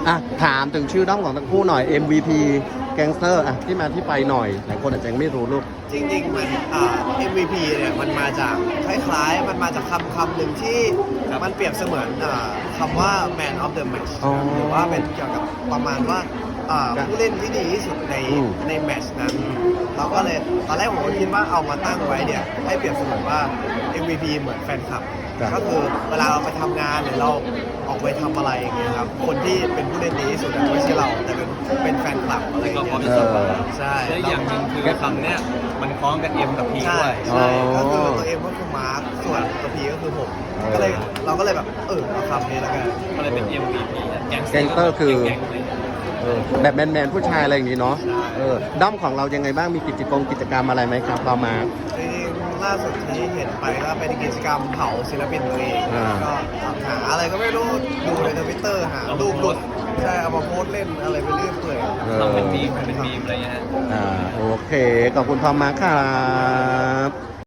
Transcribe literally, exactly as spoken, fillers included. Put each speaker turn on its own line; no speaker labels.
อ่ะถามถึงชื่อด้อมของทั้งคู่หน่อย เอ็ม วี พี Gangster อ่ะที่มาที่ไปหน่อยหลายคนอาจจะยังไม่รู้ลูก
จริงๆมันอ่า เอ็ม วี พี เนี่ยมันมาจากคล้ายๆมันมาจากคำคำหนึ่งที่มันเปรียบเสมือนอ่าคำว่า man of the match
อ๋อ
หรือว่าเป็นเกี่ยวกับประมาณว่าอ่าผู้เล่นที่ดีที่สุดใน
อืม
ในแมตช์นั้น เราก็เลยตอนแรกผมก็คิดว่าเอามาตั้งไว้เนี่ยให้เปรียบเสมือนว่า เอ็ม วี พี เหมือนแฟนคลับ ก็คือเวลาเราไปทำงานหรือเราออกไปทำอะไรอย่างเงี้ยครับคนที่เป็นผู้เล่นดีที่สุดอะไม่ใช่เราแต่เป็นเป็นแฟนคลับอะไรอย่างเงี้ย
เออ
ใช่
และอย่างหนึ่งคือคำเนี้ยมันคล้องกับเอ็มกับพี
ใช่
ด้วย
ใช่
อ๋อ
ก็คือตัวเอ็มก็คือมาร์คส่วนตัวพีก็คือผม
เออ
ก็เลยเราก็เลยแบบเออเอาคำนี้แล้วกัน
ก็เลยเป็น เอ็ม วี พี แก๊ง
Gangster คือ
แก๊งเลย
เออแบบแมนๆผู้ชายอะไรอย่างนี้เนาะ
ใช่
เออด้อมของเรายังไงบ้างมีกิจกรรมกิจกรรมอะไรไหมครับเรามา
จริงๆล่าสุดที่เห็นไปก็เป็นกิจกรรมเผาศิลปินตัวเอง
อ่า
ก็หาอะไรก็ไม่รู้ดูในทวิตเตอร์หารูปหลุดใช่เอามาโพสต์เล่นอะไรไปเรื่อยเปื่อย
เออ
ทำเป็นมีมทำเป็นมีมอะไรเงี้ยฮะ
อ่าโอเคขอบคุณทอมมากครับ